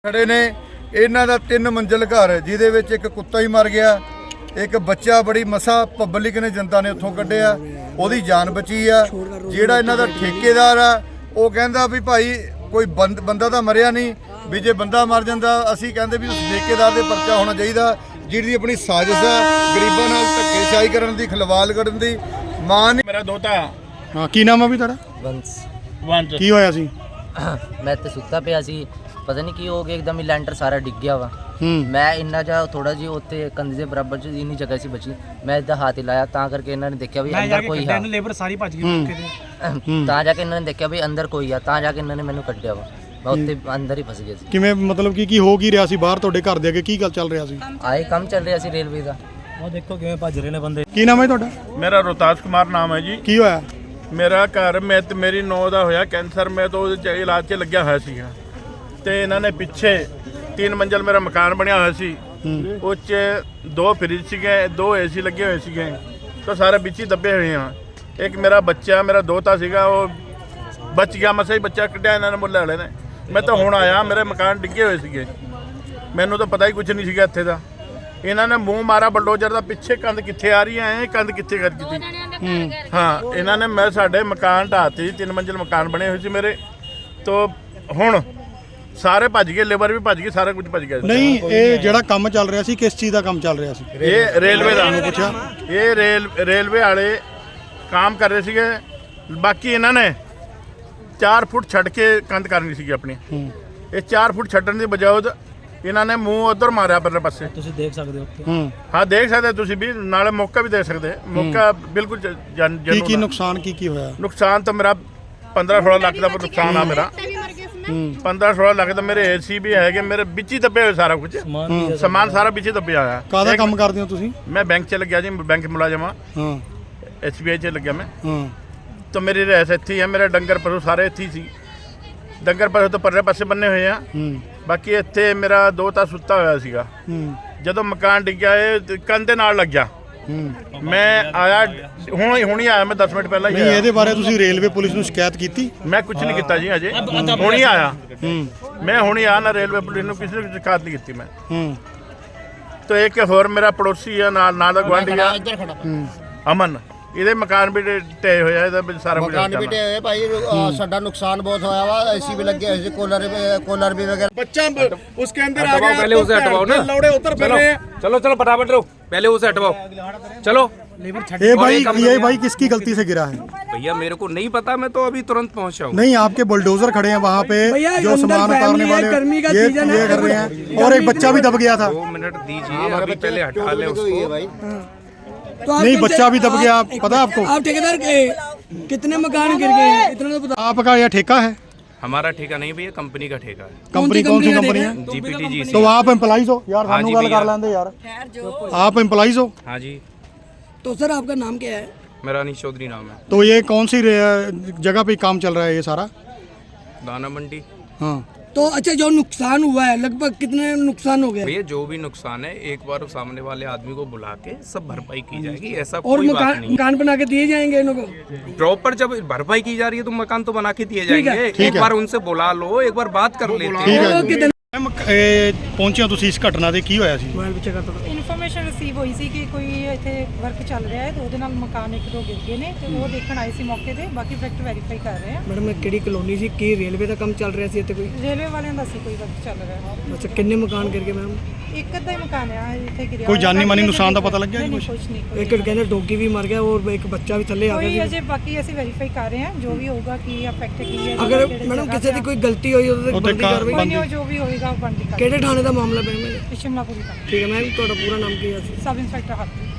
खड़े ने इन्हां दा 3 मंजिल घर जिहदे विच एक कुत्ता ही मर गया, एक बच्चा बड़ी मसा पब्लिक ने जनता ने उत्थों कढ़िया, ओहदी जान बची आ। जिहड़ा इन्हां दा ठेकेदार आ वो कहंदा भी भाई कोई बंदा तां मरिया नहीं, भी जे बंदा मर जांदा असीं कहंदे भी उस ठेकेदार दे परचा होना चाहिदा जिहदी अपनी साजिश है गरीबां नाल धक्केशाही करन दी, खलवाल करन दी। मां ने मेरा दोता हाँ की नाम है भी ताड़ा वंश की होया सी? मैं तो सुत्ता पिया सी, पता नहीं की हो गया एकदम ही लैंटर सारा डिग गया वा। मैं इन्ना जा थोड़ा जी उत्ते कंधे दे बराबर च इन्नी जगह सी बची, मैं इधर हाथ हिलाया तां करके इन्होंने देखा भी अंदर कोई है, लेबर सारी भज गई मौके ते तां जाके इन्होंने देखा भी अंदर कोई है, तां जाके इन्होंने मैनू कड्ढिया वा। मैं उत्ते अंदर ही फस गया सी। किवें मतलब कि हो की रहा सी बाहर ਤੁਹਾਡੇ ਘਰ ਦੇ ਅੱਗੇ ਕੀ ਗੱਲ ਚੱਲ ਰਿਹਾ ਸੀ? आए काम चल रहा सी रेलवे का। ਉਹ ਦੇਖੋ ਕਿਵੇਂ ਭੱਜ ਰਹੇ ਨੇ ਬੰਦੇ। ਕੀ ਨਾਮ ਹੈ ਤੁਹਾਡਾ? मेरा रोहतास कुमार नाम है जी। ਕੀ ਹੋਇਆ? मेरा घर मैं ते मेरी नौ ਦਾ ਹੋਇਆ ਕੈਂਸਰ, ਮੈਂ ਤਾਂ ਉਹਦੇ ਚ ਇਲਾਜ 'ਚ ਲੱਗਿਆ ਹੋਇਆ ਸੀਗਾ ਤੇ ਇਹਨਾਂ ਨੇ ਪਿੱਛੇ 3 ਮੰਜ਼ਲ ਮੇਰਾ ਮਕਾਨ ਬਣਿਆ ਹੋਇਆ ਸੀ, ਉਹ 'ਚ 2 ਫਰਿੱਜ ਸੀਗੇ, 2 ਏਸੀ ਲੱਗੇ ਹੋਏ ਸੀਗੇ, ਤਾਂ ਸਾਰੇ ਵਿੱਚ ਹੀ ਦੱਬੇ ਹੋਏ ਆ। ਇੱਕ ਮੇਰਾ ਬੱਚਾ ਮੇਰਾ ਦੋਤਾ ਸੀਗਾ ਉਹ ਬਚ ਗਿਆ, ਮਸਾ ਹੀ ਬੱਚਾ ਕੱਢਿਆ ਇਹਨਾਂ ਨੇ ਮੁੱਲੇ ਵਾਲੇ ਨੇ। ਮੈਂ ਤਾਂ ਹੁਣ ਆਇਆ, ਮੇਰੇ ਮਕਾਨ ਡਿੱਗੇ ਹੋਏ ਸੀਗੇ, ਮੈਨੂੰ ਤਾਂ ਪਤਾ ਹੀ ਕੁਝ ਨਹੀਂ ਸੀਗਾ ਇੱਥੇ ਦਾ। ਇਹਨਾਂ ਨੇ ਮੂੰਹ ਮਾਰਾ ਬਲਡੋਜ਼ਰ ਦਾ, ਪਿੱਛੇ ਕੰਧ ਕਿੱਥੇ ਆ ਰਹੀ ਹੈ, ਕੰਧ ਕਿੱਥੇ ਕਰ ਦਿੱਤੀ। ਹਾਂ ਇਹਨਾਂ ਨੇ ਮੈਂ ਸਾਡੇ ਮਕਾਨ ਢਾਤੀ, 3 ਮੰਜ਼ਿਲ ਮਕਾਨ ਬਣੇ ਹੋਏ ਸੀ ਮੇਰੇ, ਤੋਂ ਹੁਣ ਸਾਰੇ ਭੱਜ ਗਏ, ਲੇਬਰ ਵੀ ਭੱਜ ਗਈ, ਸਾਰਾ ਕੁਝ ਭੱਜ ਗਿਆ। ਨਹੀਂ ਇਹ ਜਿਹੜਾ ਕੰਮ ਚੱਲ ਰਿਹਾ ਸੀ ਕਿਸ ਚੀਜ਼ ਦਾ ਕੰਮ ਚੱਲ ਰਿਹਾ ਸੀ? ਇਹ ਰੇਲਵੇ ਦਾ ਪੁੱਛਿਆ, ਇਹ ਰੇਲਵੇ ਵਾਲੇ ਕੰਮ ਕਰ ਰਹੇ ਸੀਗੇ। ਬਾਕੀ ਇਹਨਾਂ ਨੇ 4 ਫੁੱਟ ਛੱਡ ਕੇ ਕੰਧ ਕਰਨੀ ਸੀਗੀ ਆਪਣੀ, ਇਹ 4 ਫੁੱਟ ਛੱਡਣ ਦੀ ਬਜਾਏ ਇਹਨਾਂ ਨੇ ਮੂੰਹ ਉਧਰ ਮਾਰਿਆ ਪਰਲੇ ਪਾਸੇ। ਤੁਸੀਂ ਦੇਖ ਸਕਦੇ ਹੋ ਉੱਥੇ। ਹਾਂ ਦੇਖ ਸਕਦੇ ਤੁਸੀਂ ਵੀ, ਨਾਲੇ ਮੌਕਾ ਵੀ ਦੇਖ ਸਕਦੇ, ਮੌਕਾ ਬਿਲਕੁਲ ਕੀ ਨੁਕਸਾਨ ਕੀ ਹੋਇਆ? ਨੁਕਸਾਨ ਤਾਂ ਮੇਰਾ 15-16 ਲੱਖ ਦਾ ਨੁਕਸਾਨ ਆ ਮੇਰਾ। 15-16 ਲੱਖ ਦਾ ਮੇਰੇ ਏਸੀ ਵੀ ਹੈਗੇ, ਮੇਰੇ ਵਿੱਚ ਹੀ ਦੱਬੇ ਹੋਏ ਸਾਰਾ ਕੁਝ, ਸਮਾਨ ਸਾਰਾ ਵਿੱਚ ਹੀ ਦੱਬਿਆ ਹੋਇਆ। ਕਾਹਦਾ ਕੰਮ ਕਰਦੇ ਹੋ ਤੁਸੀਂ? ਮੈਂ ਬੈਂਕ 'ਚ ਲੱਗਿਆ ਜੀ, ਬੈਂਕ ਮੁਲਾਜ਼ਮ ਆ। ਹਾਂ SBI 'ਚ ਲੱਗਿਆ ਮੈਂ। ਹਾਂ ਤਾਂ ਮੇਰੀ ਰਹਿਸ ਇੱਥੇ ਹੀ ਹੈ, ਮੇਰੇ ਡੰਗਰ ਪਸ਼ੂ ਸਾਰੇ ਇੱਥੇ ਹੀ ਸੀ। ਡੰਗਰ ਪਸ਼ੂ ਤਾਂ ਪਰਲੇ ਪਾਸੇ ਬੰਨੇ ਹੋਏ ਆ, ਬਾਕੀ ਇੱਥੇ ਮੇਰਾ ਦੋਤਾ ਸੁੱਤਾ ਹੋਇਆ ਸੀਗਾ। ਜਦੋਂ ਮਕਾਨ ਡਿੱਗਿਆ ਇਹ ਕੰਧ ਦੇ ਨਾਲ ਲੱਗਿਆ, ਮੈਂ ਆਇਆ ਹੁਣ ਹੀ ਆਇਆ, ਮੈਂ 10 ਮਿੰਟ ਪਹਿਲਾਂ ਹੀ ਨਹੀਂ ਆਇਆ। ਇਹਦੇ ਬਾਰੇ ਤੁਸੀਂ ਰੇਲਵੇ ਪੁਲਿਸ ਨੂੰ ਸ਼ਿਕਾਇਤ ਕੀਤੀ? ਮੈਂ ਕੁਝ ਨਹੀਂ ਕੀਤਾ ਜੀ ਅਜੇ, ਹੁਣ ਹੀ ਆਇਆ ਮੈਂ, ਹੁਣ ਹੀ ਆਇਆ ਨਾ। ਰੇਲਵੇ ਪੁਲਿਸ ਨੂੰ ਕਿਸੇ ਨੂੰ ਸ਼ਿਕਾਇਤ ਨਹੀਂ ਕੀਤੀ ਮੈਂ। ਤਾਂ ਇੱਕ ਹੋਰ ਮੇਰਾ ਪੜੋਸੀ ਆ ਨਾਲ ਦਾ ਗੁਆਂਢੀ ਆ ਅਮਨ, ਇਹਦੇ ਮਕਾਨ ਵੀ ਢੇ ਹੋਇਆ, ਇਹਦਾ ਵੀ ਸਾਰਾ ਕੁਝ ਮਕਾਨ ਵੀ ਢੇ ਹੋਏ ਭਾਈ। ਸਾਡਾ ਨੁਕਸਾਨ ਬਹੁਤ ਹੋਇਆ ਵਾ, ਏਸੀ ਵੀ ਲੱਗੇ ਹੋਏ ਸੀ, कूलर भी वगैरह। बच्चा उसके अंदर आ गया, पहले उसे हटवाओ ना, लौड़े उतर फिर रहे हैं। चलो चलो फटाफट रहो, पहले उसे हटवाओ, चलो। ये भाई किसकी गलती से गिरा है? भैया मेरे को नहीं पता, मैं तो अभी तुरंत पहुंचा हूँ। नहीं आपके बुलडोजर खड़े हैं वहाँ पे जो सामान उतारने वाले ये कर रहे हैं, और एक बच्चा भी दब गया था। 2 मिनट दीजिए, अभी पहले हटा ले उसको। नहीं बच्चा भी दब गया, पता है आपको? आप ठेकेदार कितने मकान गिर गए हैं इतना तो पता? आपका यह ठेका है? हमारा ठेका नहीं भैया, कंपनी का ठेका है। कंपनी कौन सी कंपनी है? GPTG। तो आप एम्प्लॉइज हो यार? हाँ जी गल कर भैया। लेंदे यार, आप एम्प्लॉइज हो? हाँ जी। तो सर आपका नाम क्या है? मेरा अनीश चौधरी नाम है। तो ये कौन सी जगह पे काम चल रहा है ये सारा? दाना मंडी। हाँ तो अच्छा जो नुकसान हुआ है लगभग कितने नुकसान हो गया? भैया जो भी नुकसान है एक बार सामने वाले आदमी को बुला के सब भरपाई की जाएगी, ऐसा और कोई बात नहीं। मकान बना के दिए जाएंगे इनको? प्रॉपर जब भरपाई की जा रही है तो मकान तो बना के दिए जाएंगे। एक बार उनसे बुला लो, एक बार बात कर लेते हैं। ਪਹੁੰਚਿਆ ਤੁਸੀਂ ਇਸ ਘਟਨਾ ਦੇ, ਕੀ ਹੋਇਆ ਸੀ? ਇਨਫੋਰਮੇਸ਼ਨ ਰਿਸੀਵ ਹੋਈ ਸੀ ਕਿ ਕੋਈ ਇੱਥੇ ਵਰਕ ਚੱਲ ਰਿਹਾ ਹੈ ਤੇ ਉਹਦੇ ਨਾਲ ਮਕਾਨ 1-2 ਗਿਰ ਗਏ ਨੇ ਤੇ ਉਹ ਦੇਖਣ ਆਏ ਸੀ ਮੌਕੇ ਤੇ, ਬਾਕੀ ਫੈਕਟ ਵੈਰੀਫਾਈ ਕਰ ਰਹੇ ਆ। ਮੈਡਮ ਕਿਹੜੀ ਕਲੋਨੀ ਸੀ, ਕੀ ਰੇਲਵੇ ਦਾ ਕੰਮ ਚੱਲ ਰਿਹਾ ਸੀ ਇੱਥੇ ਕੋਈ? ਰੇਲਵੇ ਵਾਲਿਆਂ ਦਾ ਸੀ ਕੋਈ ਵਰਕ ਚੱਲ ਰਿਹਾ ਹੈ। ਅੱਛਾ ਕਿੰਨੇ ਮਕਾਨ ਗਿਰ ਗਏ ਮੈਮ? ਇੱਕ ਅੱਧਾ ਹੀ ਮਕਾਨ ਆ ਇੱਥੇ ਗਿਰਿਆ। ਕੋਈ ਜਾਨੀ ਮਾਨੀ ਨੁਕਸਾਨ ਦਾ ਪਤਾ ਲੱਗਿਆ ਕੁਝ ਨਹੀਂ। ਇੱਕ ਕਹਿੰਦੇ ਡੋਗੀ ਵੀ ਮਰ ਗਿਆ ਔਰ ਇੱਕ ਬੱਚਾ ਵੀ ਥੱਲੇ ਆ ਕੋਈ ਗਿਆ ਅਜੇ ਬਾਕੀ ਅਸੀਂ ਵੈਰੀਫਾਈ ਕਰ ਰਹੇ ਹਾਂ, ਜੋ ਵੀ ਹੋਊਗਾ ਕੀ ਅਫੈਕਟ ਕੀ ਹੈ। ਅਗਰ ਮੈਡਮ ਕਿਸੇ ਦੀ ਕੋਈ ਗਲਤੀ ਹੋਈ ਉਹਦੇ ਤੇ ਬਣਦੀ ਕਾਰਵਾਈ? ਕੋਈ ਨਹੀਂ, ਜੋ ਵੀ ਹੋਏਗਾ ਉਹ ਬਣਦੀ ਕਰ। ਕਿਹੜੇ ਥਾਣੇ ਦਾ ਮਾਮਲਾ ਪੈਣਾ? ਸ਼ਿਮਲਾਪੁਰੀ ਦਾ। ਠੀਕ ਹੈ ਮੈਮ, ਤੁਹਾਡਾ ਪੂਰਾ ਨਾਮ ਕੀ ਹੈ? ਸਬ ਇੰਸਪੈਕਟਰ ਹੱਥ।